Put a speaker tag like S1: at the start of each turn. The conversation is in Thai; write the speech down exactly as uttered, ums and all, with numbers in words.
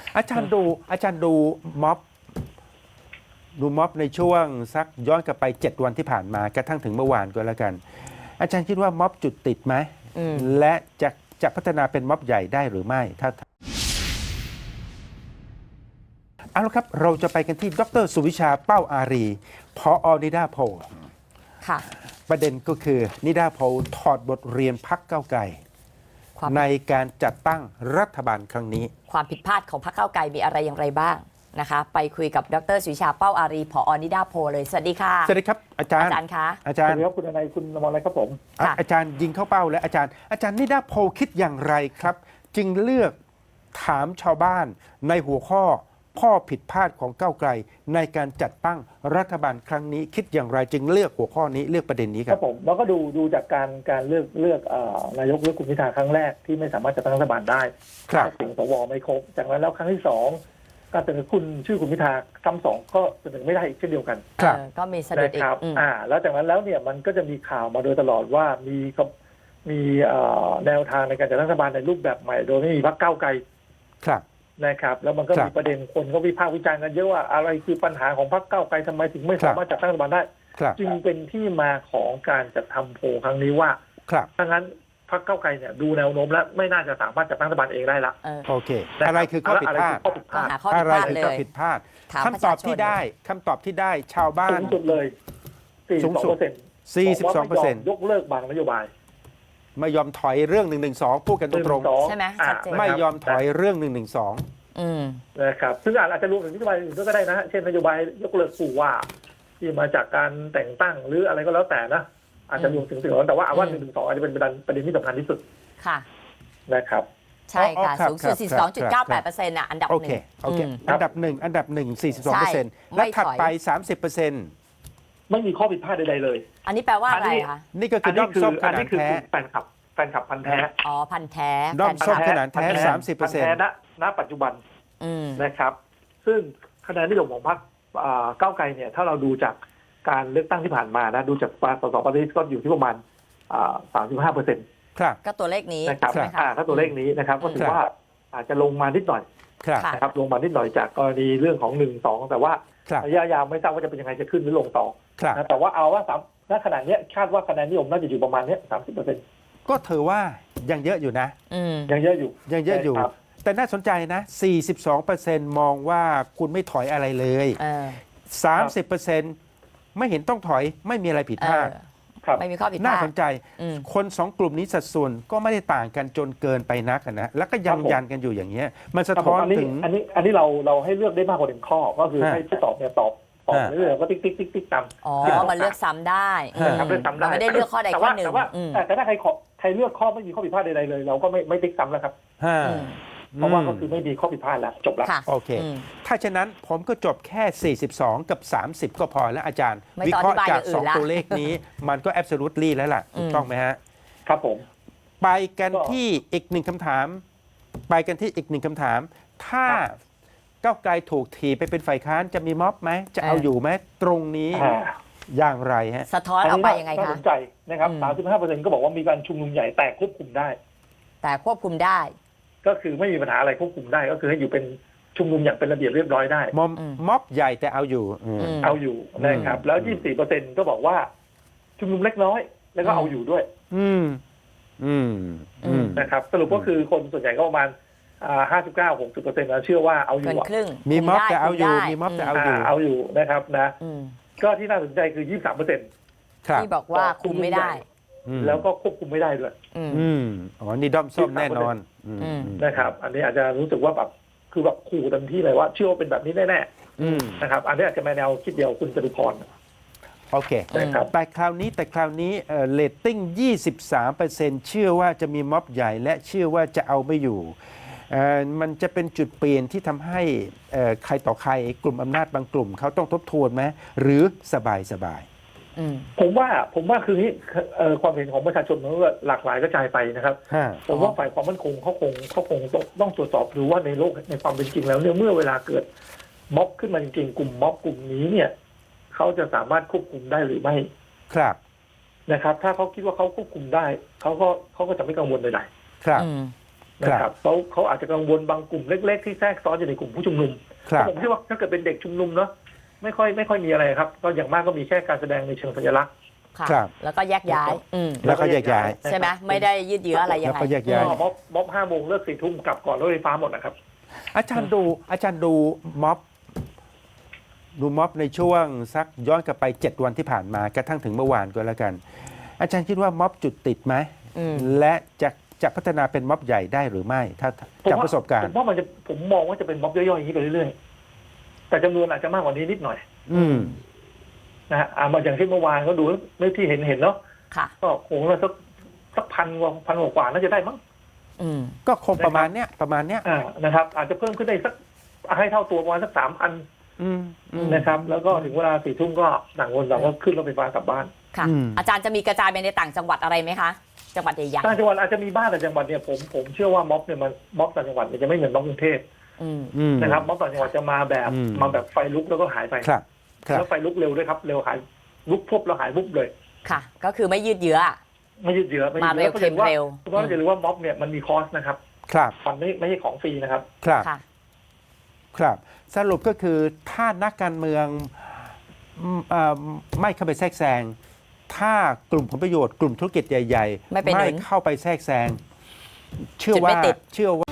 S1: อาจารย์ดูอาจารย์ดูม็อบดูม็อบในช่วงสักย้อนกลับไปเจ็ดวันที่ผ่านมากระทั่งถึงเมื่อวานก็แล้วกัน อาจารย์คิดว่าม็อบจุดติดไหม
S2: อืม
S1: และจะจะพัฒนาเป็นม็อบใหญ่ได้หรือไม่ถ้าเอาละครับเราจะไปกันที่ดรสุวิชาเป้าอารีผอนิดาโพล
S2: ค่ะ
S1: ประเด็นก็คือนิดาโพลถอดบทเรียนพักเก้าวไกล
S2: ความ
S1: ในการจัดตั้งรัฐบาลครั้งนี้
S2: ความผิดพลาดของพรรคก้าวไกลมีอะไรอย่างไรบ้างนะคะ ไปคุยกับดรสุวิชาเป้าอารีผอนิดาโพลเลยสวัสดีค่ะ
S1: สวัสดีครับอาจารย์
S2: อาจารย์คะ
S1: อา
S3: ส
S1: จาร
S3: วัส
S1: ย์
S3: ดีครับคุณอนายคุณอมรรัตน์ครับผม
S1: อ่ะ
S2: ค่ะ
S1: อาจารย์ยิงเข้าเป้าแล้วอาจารย์ อาจารย์นิดาโพลคิดอย่างไรครับ จึงเลือกถามชาวบ้านในหัวข้อข้อผิดพลาดของก้าวไกล ในการจัดตั้งรัฐบาลครั้งนี้ คิดอย่างไรจึงเลือกหัวข้อนี้เลือกประเด็นนี้ค
S3: ค
S1: รั
S3: รับ บผมเราก็ดูดูจากการการเลือกเลือกเอ่อนายกเลือกคุณพิธาครั้งแรกที่ไม่สามารถจะตั้งรัฐบาลได้
S1: ครับ
S3: เสียงสวไม่ครบจากนั้นแล้วครั้งที่สองการเสนอคุณชื่อคุณพิธาคำสองก็เสนอไม่ได้อีกเช่นเดียวกัน
S1: ครับ
S2: เออก็มีสะดุด
S3: นะ
S2: อี
S3: ค
S2: ก
S3: รับ
S2: อืม
S3: อ่า แล้วจากนั้นแล้วเนี่ยมันก็จะมีข่าวมาโดยตลอดว่ามีกับมีเอ่อแนวทางในการจัดตั้งรัฐบาลในรูปแบบใหม่ โดยไม่มีพรรคก้าวไกล
S1: ครับ
S3: นะครับ แล้วมันก็
S1: ครับ
S3: มีประเด็นคนก็วิพากษ์วิจารณ์กันเยอะว่าอะไรคือปัญหาของพรรคก้าวไกลทำไมถึงไม่สามารถจัดตั้งรัฐบาลได้
S1: ครับ
S3: จึงเป็นที่มาของการจัดทำโพลครั้งนี้ว่า
S1: ครับ
S3: ถ้างั้นพรรคก้าวไกลเนี่ยดูแนวโน้มแล้วไม่น่าจะสามารถจัดตั้งรัฐบาลเองได้ละ
S2: เออ
S1: โอเค อะไรคือข้อผิดพลาด
S3: ะไรคือข้อผิดพ
S2: ก็
S3: ลาด
S2: หาข้อผิ
S1: อะ
S2: ด
S1: ไร
S2: พลาด
S1: คือ
S2: เล
S1: ข้อย ผิดพลาด
S2: ถาม
S1: คำตอบที่
S2: ประชาชน
S1: ได้คำตอบที่ได้ชาวบ้า
S3: สู
S1: น
S3: งสุดเลย
S1: สู
S3: สี่
S1: ง
S3: สิบ
S1: สุ
S3: ส
S1: ด
S3: องเปอร์เซ็นต์
S1: สี่สิบสองเปอร์เซ็นต์
S3: ยกเลิกบางนโยบาย
S1: ไม่ยอมถอยเรื่องหนึ่งหนึ่งสองพูดกันตรง
S2: ใช่ไหม
S3: อ่า
S2: ชัดเจน
S1: ๆไม่ยอมถอยเรื่องหนึ่งหนึ่งสอง
S2: อืม
S3: นะครับซึ่งอาจจะรวมถึงนโยบายอื่นก็ได้นะฮะเช่นนโยบายยกเลิกผู้ว่า ที่มาจากการแต่งตั้งหรืออะไรก็แล้วแต่นะอาจจะรวมถึงสิ่งเหล่านั้นแต่ว่าเอาว่าหนึ่งหนึ่งสองอาจจะเป็นประเด็นประเด็นที่สำคัญที่สุด
S2: ค่ะ
S3: นะครับ
S2: ใช่ค่ะ
S1: อ๋อครับ
S2: สูงสุด
S1: ครับ
S2: สี่สิบสองจุดเก้าแปดเปอร์เซ็นต์อ่ะอันดับ
S1: โอ
S2: ห
S1: เค
S2: นึ่ง
S1: โอเค
S2: อืม
S1: อันดับหนึ่งอันดับหนึ่งสี่สิบสองเปอร์เซ็นต์
S2: ใช่
S1: และ
S2: ไม่ถอย
S1: ถัดไปสามสิบเปอร์เซ็นต์
S3: ไม่มีข้อผิดพลาดใดๆเลย
S2: อันนี้แปลว่าอะไรคะ
S1: นี่ก็คือด้อมส้มข
S3: อัน
S1: นา
S3: นี้
S1: ด
S3: คือ
S1: แท้
S3: แฟนคลับแฟนคลับพันธุ์แท้
S2: อ๋อพันธุ์แท้
S1: ด้อม
S2: แฟน
S1: ส้ม
S2: คลับ
S1: ขนาดแท้
S3: พันธุ์
S1: สามสิบเปอร์เซ็นต์
S3: พันธุ์แท้ณณปัจจุบัน
S2: อืม
S3: นะครับ ซึ่งคะแนนนิยมของพรรคอ่าก้าวไกลเนี่ย ถ้าเราดูจากการเลือกตั้งที่ผ่านมานะ ดูจากสสปาร์ตี้ก็อยู่ที่ประมาณสามสิบห้าเปอร์เซ็นต์
S1: ครับ
S2: ก็ตัวเลขนี้
S3: นะครับ
S2: ใช่ไหมคะ
S3: อ่าถ้าตัวเลขนี้นะครับ ก็ถือ
S1: ครับ
S3: ว่าอาจจะลงมานิดหน่อย
S1: ครับ
S2: ค่ะ
S3: นะครับ ลงมานิดหน่อยจากกรณีเรื่องของหนึ่งสองแต่ว่า
S1: ครับ
S3: ระยะยาวไม่ทราบว่าจะเป็นยังไงจะขึ้นหรือลงต่อ
S1: ครับ
S3: นะแต่ว่าเอาว่าสามณขณะเนี้ยคาดว่าคะแนนนิยมน่าจะอยู่ประมาณเนี้ยสามสิบเปอร์เซ็นต์
S1: ก็ถือว่ายังเยอะอยู่นะ
S2: อืม
S3: ยังเยอะอยู่
S1: ยังเยอะอยู่
S3: ครับ
S1: แต่น่าสนใจนะ สี่สิบสองเปอร์เซ็นต์ มองว่าคุณไม่ถอยอะไรเลย
S2: เออ
S1: สามสิบเปอร์เซ็นต์ ไม่เห็นต้องถอยไม่มีอะไรผิด
S2: เอ
S1: พลา
S2: อ
S1: ด
S3: ครับ
S2: ไม่มีข้อผิดพ
S1: น่า
S2: ลาด
S1: สนใจ
S2: อืม
S1: คนสองกลุ่มนี้สัดส่วนก็ไม่ได้ต่างกันจนเกินไปนักอะนะ แล้วก็ยันยันกันอยู่อย่างเงี้ย มันสะ
S3: ครับผ
S1: ท้อ
S3: ม
S1: น
S3: อันนี้
S1: ถึง
S3: อันนี้อันนี้เราเราให้เลือกได้มากกว่าหนึ่งข้อ ก็คือ
S1: ฮะ
S3: ให้ผู้ตอบเนี่ยตอบตอบ
S1: ฮะ
S3: เรื่อยๆก็ติ๊กติ๊กติ๊กติ๊กตาม
S2: อ๋อ
S3: ที่เรา
S2: มันเลือกซ้ำได้
S1: ฮะ
S3: นะครับเลือกซ้ำได้
S2: เราไม่ได้เลือกข้อใด
S3: แต่
S2: ข้อ
S3: ว่า
S2: หนึ่ง
S3: แต่ว่า
S2: อืม
S3: แต่แต่ถ้าใครขอใครเลือกข้อไม่มีข้อผิดพลาดใดๆเลย เราก็ไม่ไม่ติ๊กซ้ำแล้วครับ
S1: ห้า
S2: อืม
S3: เพราะว่าก็คือไม่มีข้อผิดพลาดแล้วจบแล้ว
S2: ค่ะ
S1: โอเค
S2: อืม
S1: ถ้าฉะนั้นผมก็จบแค่ สี่สิบสอง กับ สามสิบ ก็พอแล้วอาจารย์
S2: ไม่
S1: วิ
S2: ต้อง
S1: เคราะห์
S2: อธิบาย
S1: จาก
S2: อย่างอื่น
S1: สอง
S2: ละ
S1: ตัวเลขนี้ มันก็ absolutely แล้วล่ะ ถูกต้องไหมฮะ
S3: ครับผม
S1: ไปกัน
S3: ก็
S1: ที่อีกหนึ่งคำถาม ไปกันที่อีกหนึ่งคำถาม ถ้าก้าวไกลถูกถีบไปเป็นฝ่ายค้านจะมีม็อบไหม จะเอา
S2: เออ
S1: อ
S2: อ
S1: ยู่ไหมตรงนี้
S3: อ่า
S1: อย่างไรฮะ
S2: สะท้อนออกไปยังไง
S3: น่า
S2: คะ
S3: สนใจนะครับ
S2: อืม
S3: สามสิบห้าเปอร์เซ็นต์ก็บอกว่ามีการชุมนุมใหญ่แต่ควบคุมได้
S2: แต่ควบคุมได้
S3: ก็คือไม่มีปัญหาอะไรควบคุมได้ ก็คือให้อยู่เป็นชุมนุมอย่างเป็นระเบียบเรียบร้อยได้
S1: ม็อบ
S2: อืม
S1: ม็อบใหญ่แต่เอาอยู่อืม
S2: อืม
S3: เอาอยู่นะครับ แล้ว
S1: อืม
S3: ยี่สิบสี่เปอร์เซ็นต์ก็บอกว่าชุมนุมเล็กน้อย แล้วก็เอาอยู่ด้วย
S1: อืม อืม อืม
S3: นะครับสรุปก็คือคนส่วนใหญ่ก็ประมาณห้าสิบเก้าหกสิบเปอร์เซ็นต์แล้วเชื่อว่าเอาอ
S2: เกิ
S3: ยู่
S2: น
S3: อะ
S2: ครึ่ง
S1: มีม็อบ
S2: คุ
S1: แต่เอาอยู่
S2: ได้
S1: มีม็อบแต่เอา
S3: อ่าเอาอยู่นะครับนะ
S2: อืม
S3: ก็ที่น่าสนใจคือยี่สิบสามเปอร์เซ็นต์
S1: ครับ
S2: ที่บอกว่าคุมไม่ได้
S1: อืม
S3: แล้วก็ควบคุมไม่ได้ด้วย
S2: อืม
S1: อืมอ๋อ นี่ด้อมส้มแน่นอนอืม
S2: อืม
S3: นะครับ อันนี้อาจจะรู้สึกว่าแบบคือแบบขู่เต็มที่เลยว่าเชื่อว่าเป็นแบบนี้แน่
S1: อืม
S3: ๆนะครับอันนี้อาจจะมาแนวคิดเดียวคุณจตุพร
S1: โอเค
S3: นะครับ
S1: แต่คราวนี้แต่คราวนี้เอ่อเรตติ้ง ยี่สิบสามเปอร์เซ็นต์ เชื่อว่าจะมีม็อบใหญ่และเชื่อว่าจะเอาไม่อยู่เอ่อมันจะเป็นจุดเปลี่ยนที่ทำให้เอ่อใครต่อใครกลุ่มอำนาจบางกลุ่มเขาต้องทบทวนไหมหรือสบายสบาย
S2: อืม
S3: ผมว่าผมว่าคือนี้เอ่อความเห็นของประชาชนมันก็หลากหลายกระจายไปนะครับ
S1: ฮะ
S3: ผมว่าฝ่ายความมั่นคงเขาคงเขาคงต้องต้องตรวจสอบดูว่าในโลกในความเป็นจริงแล้วเนี่ยเมื่อเวลาเกิดม็อบขึ้นมาจริงๆกลุ่มม็อบกลุ่มนี้เนี่ยเขาจะสามารถควบคุมได้หรือไม่
S1: ครับ
S3: นะครับ ถ้าเขาคิดว่าเขาควบคุมได้เขาก็เขาก็จะไม่กังวลใด
S1: ครับ
S2: อืม
S3: ๆนะครับเขาเขาอาจจะกังวลบางกลุ่มเล็กๆที่แทรกซ้อนอยู่ในกลุ่มผู้ชุมนุม
S1: ครับ
S3: ผมคิดว่าถ้าเกิดเป็นเด็กชุมนุมเนาะไม่ค่อยไม่ค่อยมีอะไรครับก็อย่างมากก็มีแค่การแสดงในเชิงสัญลักษณ์
S2: ค่ะ
S1: ครับ
S2: แล้วก็แยกย้ายอืม
S1: แล้วก็แยกย้าย
S2: ใช่ไหมไม่ได้ยืดเยื้ออะไรยัง
S1: แล้ว
S2: ไง
S1: ก็แยกย้าย
S3: ก็ม็อบม็อบห้าโมงเลิกสี่ทุ่มกลับก่อนรถไฟฟ้าหมดนะครับ
S1: อาจารย์ดูอาจารย์ดูม็อบดูม็อบในช่วงสักย้อนกลับไปเจ็ดวันที่ผ่านมากระทั่งถึงเมื่อวานก็แล้วกัน อาจารย์คิดว่าม็อบจุดติดไหม
S2: อืม
S1: และจะจะพัฒนาเป็นม็อบใหญ่ได้หรือไม่ ถ้า
S3: ผม
S1: จาก
S3: ว่า
S1: ประสบการ
S3: ผ
S1: ณ์
S3: มว่ามันจะผมมองว่าจะเป็นม็อบย่อยๆอย่างนี้ไปเรื่อยๆแต่จำนวนอาจจะมากกว่านี้นิดหน่อย
S1: อืม
S3: นะฮะอ่ามาอย่างที่เมื่อวานก็ดูไม่ที่เห็นเห็นเนาะ
S2: ค่ะ
S3: ก็คงละสักสักพันกว่าพันกว่าน่าจะได้มั้ง
S2: อืม
S1: ก็คงประมาณเนี้ยประมาณเนี้ย
S3: อ่านะครับ อาจจะเพิ่มขึ้นได้สักให้เท่าตัวประมาณสักสามพัน
S1: อืมอืม
S3: นะครับ แล้วก็ถึงเวลาสี่ทุ่มก็ต่างคนต่างก็ขึ้นรถไฟฟ้ากลับบ้าน
S2: ค่ะ
S1: อืม
S2: อาจารย์จะมีกระจายไปในต่างจังหวัดอะไรไหมคะ จังหวัดใหญ่
S3: ต่างจังหวัดอาจจะมีบ้านแต่จังหวัดเนี่ยผมผมเชื่อว่าม็อบเนี่ยมันม็อบต่างจังหวัดเนี่ยจะไม่เหมือนม็อบกรุงเทพ
S2: ๆอืม
S1: อืม
S3: นะครับม็อบต่างจังหวัดจะมาแบบ
S1: อืม
S3: มาแบบไฟลุกแล้วก็หายไป
S1: ครับครับ
S3: แล้วไฟลุกเร็วด้วยครับเร็วหายลุกพรบแล้วหายวุบเลย
S2: ค่ะ ก็คือไม่ยืดเยื้อ
S3: ไม่ยืดเยื้อไม่ยื
S2: มา
S3: ด
S2: เร็
S3: เยื้
S2: ว
S3: อ
S2: เค็มเร็ว
S3: เพราะว่าอย่าลืมว่าม็อบเนี่ยมันมีคอสนะครับ
S1: ครับ
S3: มันไม่ไม่ใช่ของฟรีนะครับ
S1: ครับ
S2: ค่ะ
S1: ครับ สรุปก็คือถ้านักการเมืองอืมเอ่อไม่เข้าไปแทรกแซง ถ้ากลุ่มผลประโยชน์กลุ่มธุรกิจใหญ่ ๆ
S2: ไม่ไปหนุน
S1: เข้าไปแทรกแซง เชื่อ
S2: จุดไม่
S1: ว่า
S2: ติด
S1: เชื่อว่า